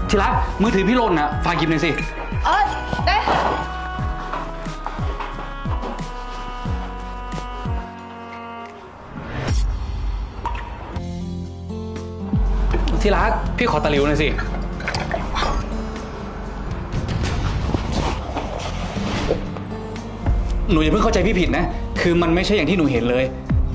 ที่รักมือถือพี่หล่นนะฝากหยิบหน่อยสิได้ค่ะที่รักพี่ขอตะหลิวหน่อยสิหนูอย่าเพิ่งเข้าใจพี่ผิดนะคือมันไม่ใช่อย่างที่หนูเห็นเลย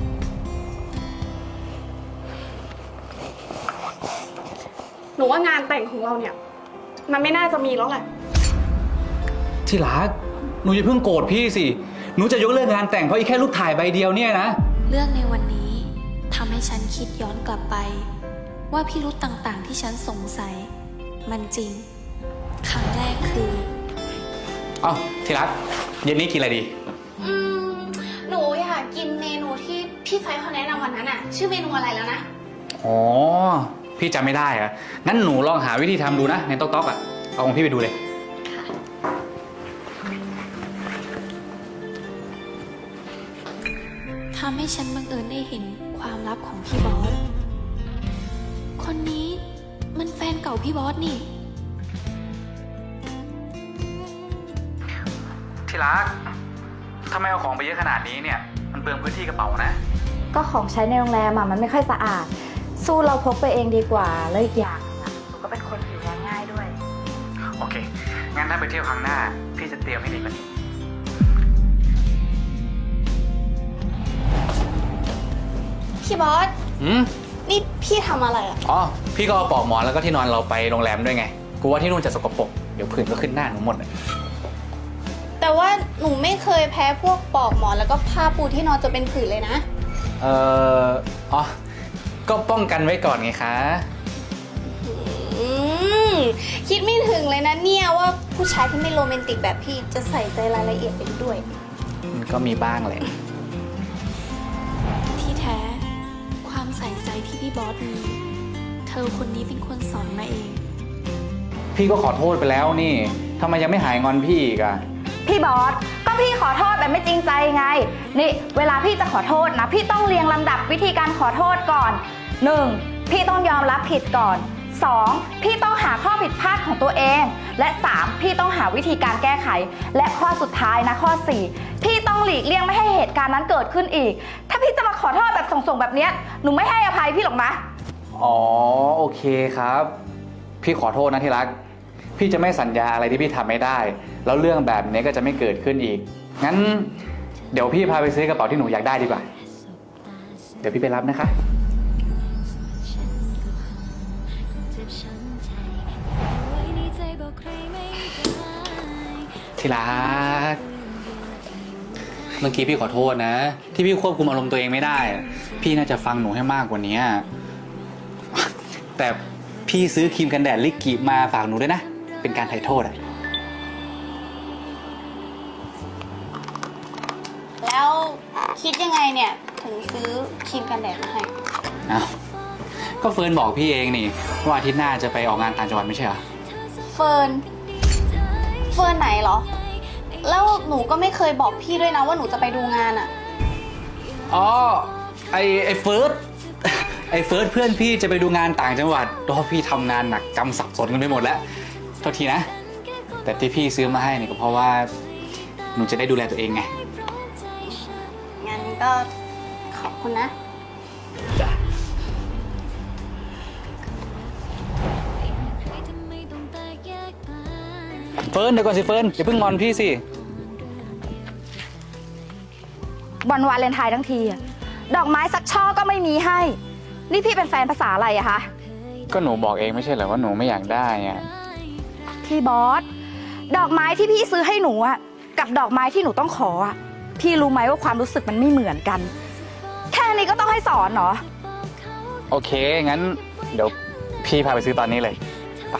หนูว่างานแต่งของเราเนี่ยมันไม่น่าจะมีแล้วแหละที่รักหนูอย่าเพิ่งโกรธพี่สิหนูจะยกเลิกงานแต่งเพราะอีกแค่รูปถ่ายใบเดียวเนี่ยนะเรื่องในวันนี้ทำให้ฉันคิดย้อนกลับไปว่าพิรุธต่างๆที่ฉันสงสัยมันจริงครั้งแรกคือเอ้าที่รักเย็นนี้กินอะไรดีหนูอยากกินเมนูที่พี่ไฟเขาแนะนำวันนั้นอะชื่อเมนูอะไรแล้วนะอ๋อพี่จำไม่ได้อะงั้นหนูลองหาวิธีทำดูนะในต๊อกๆอะเอาของพี่ไปดูเลยทำให้ฉันบังเอิญได้เห็นความลับของพี่บอสคนนี้มันแฟนเก่าพี่บอสนี่ที่รักทำไมเอาของไปเยอะขนาดนี้เนี่ยมันเปลืองพื้นที่กระเป๋านะก็ของใช้ในโรงแรมมันไม่ค่อยสะอาดสู้เราพกไปเองดีกว่าแล้วอีกอย่างหนูก็เป็นคนผิวแพ้ง่ายด้วยโอเคงั้นถ้าไปเที่ยวครั้งหน้าพี่จะเตรียมให้ดีกว่านี้พี่บอสนี่พี่ทำอะไรอ่ะอ๋อพี่ก็เอาปลอกหมอนแล้วก็ที่นอนเราไปโรงแรมด้วยไงกูว่าที่นู่นจะสกปรกเดี๋ยวผื่นก็ขึ้นหน้าหนูหมดเลยแต่ว่าหนูไม่เคยแพ้พวกปลอกหมอนแล้วก็ผ้าปูที่นอนจะเป็นผื่นเลยนะอ๋อก็ป้องกันไว้ก่อนไงคะคิดไม่ถึงเลยนะเนี่ยว่าผู้ชายที่ไม่โรแมนติกแบบพี่จะใส่ใจรายละเอียดไปด้วยมันก็มีบ้างแหละที่แท้ความใส่ใจที่พี่บอสมีเธอคนนี้เป็นคนสอนมาเองพี่ก็ขอโทษไปแล้วนี่ทำไมยังไม่หายงอนพี่อีกอะพี่บอสก็พี่ขอโทษแบบไม่จริงใจไงนี่เวลาพี่จะขอโทษนะพี่ต้องเรียงลำดับวิธีการขอโทษก่อน 1. พี่ต้องยอมรับผิดก่อน 2. พี่ต้องหาข้อผิดพลาดของตัวเองและ 3. พี่ต้องหาวิธีการแก้ไขและข้อสุดท้ายนะข้อ 4. พี่ต้องหลีกเลี่ยงไม่ให้เหตุการณ์นั้นเกิดขึ้นอีกถ้าพี่จะมาขอโทษแบบส่งๆแบบนี้หนูไม่ให้อภัยพี่หรอกนะอ๋อโอเคครับพี่ขอโทษนะที่รักพี่จะไม่สัญญาอะไรที่พี่ทำไม่ได้แล้วเรื่องแบบนี้ก็จะไม่เกิดขึ้นอีกงั้นเดี๋ยวพี่พาไปซื้อกระเป๋าที่หนูอยากได้ดีกว่าเดี๋ยวพี่ไปรับนะคะที่รักเมื่อกี้พี่ขอโทษนะที่พี่ควบคุมอารมณ์ตัวเองไม่ได้พี่น่าจะฟังหนูให้มากกว่านี้แต่พี่ซื้อครีมกันแดดลิกกี้มาฝากหนูด้วยนะเป็นการไถ่โทษแล้วคิดยังไงเนี่ยถึงซื้อครีมกันแดดมาให้อ้าวก็เฟิร์นบอกพี่เองนี่ว่าอาทิตย์หน้าจะไปออกงานต่างจังหวัดไม่ใช่เหรอเฟิร์นไหนเหรอแล้วหนูก็ไม่เคยบอกพี่ด้วยนะว่าหนูจะไปดูงานอ่ะอ๋อไอเฟิร์สเพื่อนพี่จะไปดูงานต่างจังหวัดเพราะพี่ทำงานหนักจำสับสนกันไปหมดแล้วโทษทีนะแต่ที่พี่ซื้อมาให้นี่ก็เพราะว่าหนูจะได้ดูแลตัวเองไงงั้นก็ขอบคุณนะจ้ะเฟิร์นเดี๋ยวก่อนสิเฟิร์นอย่าเพิ่งงอนพี่สิวันวาเลนไทน์ทั้งทีดอกไม้สักช่อก็ไม่มีให้นี่พี่เป็นแฟนภาษาอะไรอะคะก็หนูบอกเองไม่ใช่เหรอว่าหนูไม่อยากได้อะพี่บอสดอกไม้ที่พี่ซื้อให้หนูอะกับดอกไม้ที่หนูต้องขออะพี่รู้ไหมว่าความรู้สึกมันไม่เหมือนกันแค่นี้ก็ต้องให้สอนเหรอโอเคงั้นเดี๋ยวพี่พาไปซื้อตอนนี้เลยไป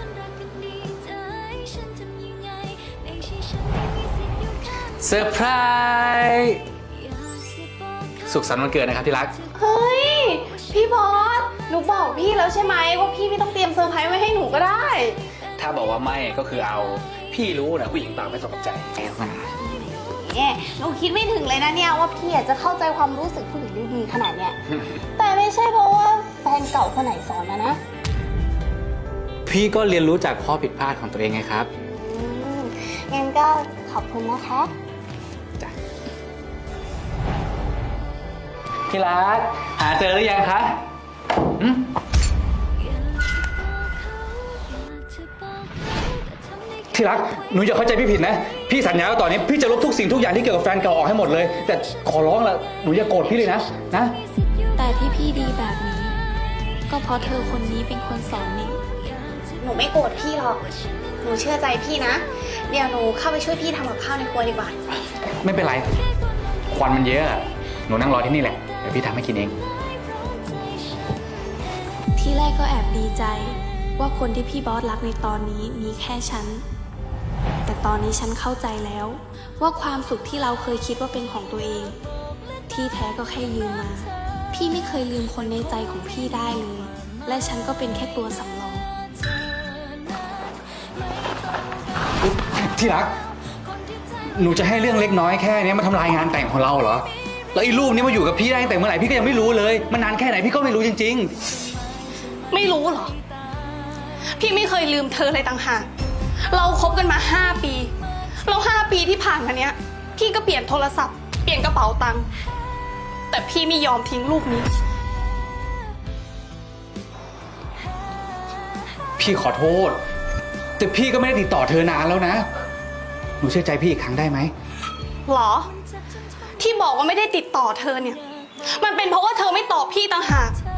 เซอร์ไพรส์สุขสันต์วันเกิดนะครับที่รักเฮ้ยพี่บอสหนูบอกพี่แล้วใช่ไหมว่าพี่ไม่ต้องเตรียมเซอร์ไพรส์ไว้ให้หนูก็ได้ถ้าบอกว่าไม่ก็คือเอาพี่รู้นะผู้หญิงปากไม่สนใจเนี่ยหนูคิดไม่ถึงเลยนะเนี่ยว่าพี่จะเข้าใจความรู้สึกผู้หญิงได้ดีขนาดเนี้ยแต่ไม่ใช่เพราะว่าแฟนเก่าคนไหนสอนนะพี่ก็เรียนรู้จากข้อผิดพลาดของตัวเองไงครับงั้นก็ขอบคุณนะคะจ้ะที่รักหาเจอหรือยังคะอืมที่รักหนูอย่าเข้าใจพี่ผิดนะ พี่สัญญาว่าต่อนนี้พี่จะลบทุกสิ่งทุกอย่างที่เกี่ยวกับแฟนเก่าออกให้หมดเลย แต่ขอร้องละหนูอย่าโกรธพี่เลยนะแต่ที่พี่ดีแบบนี้ ก็เพราะเธอคนนี้เป็นคนสอนนี่หนูไม่โกรธพี่หรอก หนูเชื่อใจพี่นะ เดี๋ยวหนูเข้าไปช่วยพี่ทำกับข้าวในครัวดีกว่าไม่เป็นไร ควันมันเยอะอะหนูนั่งรอที่นี่แหละ เดี๋ยวพี่ทำให้กินเองที่แรกก็แอบดีใจว่าคนที่พี่บอสรักในตอนนี้มีแค่ฉัน แต่ตอนนี้ฉันเข้าใจแล้ว ว่าความสุขที่เราเคยคิดว่าเป็นของตัวเอง ที่แท้ก็แค่ยืมมา พี่ไม่เคยลืมคนในใจของพี่ได้เลย และฉันก็เป็นแค่ตัวสำรองที่รัก หนูจะให้เรื่องเล็กน้อยแค่นี้มาทำลายงานแต่งของเราเหรอ แล้วไอ้รูปนี้มาอยู่กับพี่ได้ตั้งแต่เมื่อไหร่พี่ก็ยังไม่รู้เลย มันนานแค่ไหนพี่ก็ไม่รู้จริงไม่รู้เหรอ พี่ไม่เคยลืมเธอเลยต่างหาก เราคบกันมา 5 ปี แล้ว5 ปีที่ผ่านมาเนี้ย พี่ก็เปลี่ยนโทรศัพท์ เปลี่ยนกระเป๋าตังค์ แต่พี่ไม่ยอมทิ้งรูปนี้ๆ พี่ขอโทษ แต่พี่ก็ไม่ได้ติดต่อเธอนานแล้วนะ หนูเชื่อใจพี่อีกครั้งได้ไหมหรอ ที่บอกว่าไม่ได้ติดต่อเธอเนี่ย มันเป็นเพราะว่าเธอไม่ตอบพี่ต่างหาก